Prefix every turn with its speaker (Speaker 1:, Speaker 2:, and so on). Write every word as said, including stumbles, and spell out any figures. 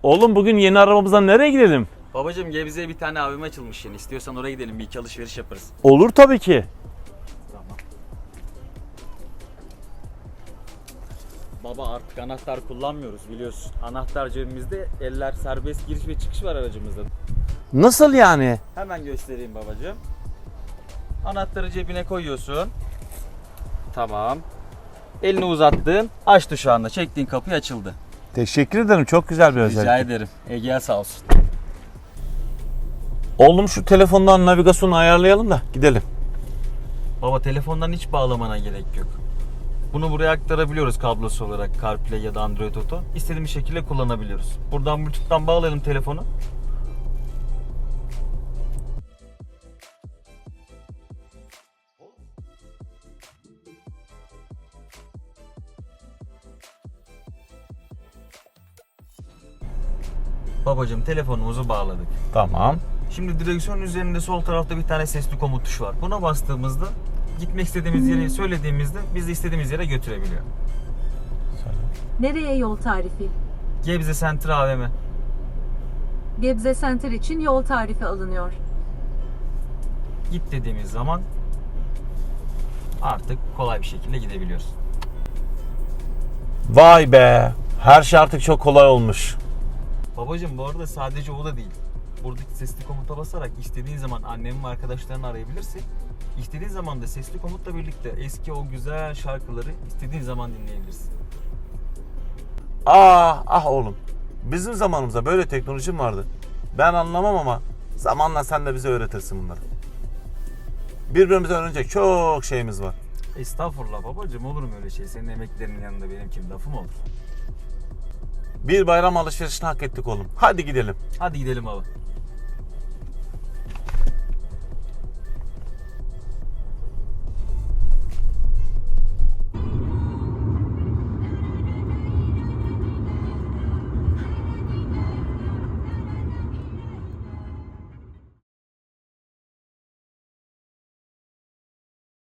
Speaker 1: Oğlum bugün yeni arabamızdan nereye gidelim?
Speaker 2: Babacım Gebze'ye bir tane A V M açılmış yeni. İstiyorsan oraya gidelim, bir iki alışveriş yaparız.
Speaker 1: Olur tabii ki.
Speaker 2: Tamam. Baba artık anahtar kullanmıyoruz biliyorsun. Anahtar cebimizde, eller serbest giriş ve çıkış var aracımızda.
Speaker 1: Nasıl yani?
Speaker 2: Hemen göstereyim babacığım. Anahtarı cebine koyuyorsun. Tamam. Elini uzattın. Açtı şu anda. Çektiğin kapı açıldı.
Speaker 1: Teşekkür ederim. Çok güzel bir özellik.
Speaker 2: Rica ederim. Ege'ye sağ olsun.
Speaker 1: Oğlum şu telefondan navigasyonu ayarlayalım da gidelim.
Speaker 2: Baba telefondan hiç bağlamana gerek yok. Bunu buraya aktarabiliyoruz kablosu olarak, CarPlay ya da Android Auto. İstediğimiz şekilde kullanabiliyoruz. Buradan Bluetooth'tan bağlayalım telefonu. Babacığım telefonumuzu bağladık.
Speaker 1: Tamam.
Speaker 2: Şimdi direksiyonun üzerinde sol tarafta bir tane sesli komut tuşu var. Buna bastığımızda gitmek istediğimiz yere söylediğimizde bizi istediğimiz yere götürebiliyor.
Speaker 3: Nereye yol tarifi?
Speaker 2: Gebze Center A V M.
Speaker 3: Gebze Center için yol tarifi alınıyor.
Speaker 2: Git dediğimiz zaman artık kolay bir şekilde gidebiliyoruz.
Speaker 1: Vay be. Her şey artık çok kolay olmuş.
Speaker 2: Babacım bu arada sadece o da değil. Buradaki sesli komuta basarak istediğin zaman annemin ve arkadaşlarını arayabilirsin. İstediğin zaman da sesli komutla birlikte eski o güzel şarkıları istediğin zaman dinleyebilirsin.
Speaker 1: Ah ah oğlum. Bizim zamanımızda böyle teknoloji mi vardı? Ben anlamam ama zamanla sen de bize öğretirsin bunları. Birbirimize öğrenecek çok şeyimiz var.
Speaker 2: Estağfurullah babacım, olur mu öyle şey? Senin emeklerinin yanında benim kim lafım olur?
Speaker 1: Bir bayram alışverişini hak ettik oğlum. Hadi gidelim.
Speaker 2: Hadi gidelim baba.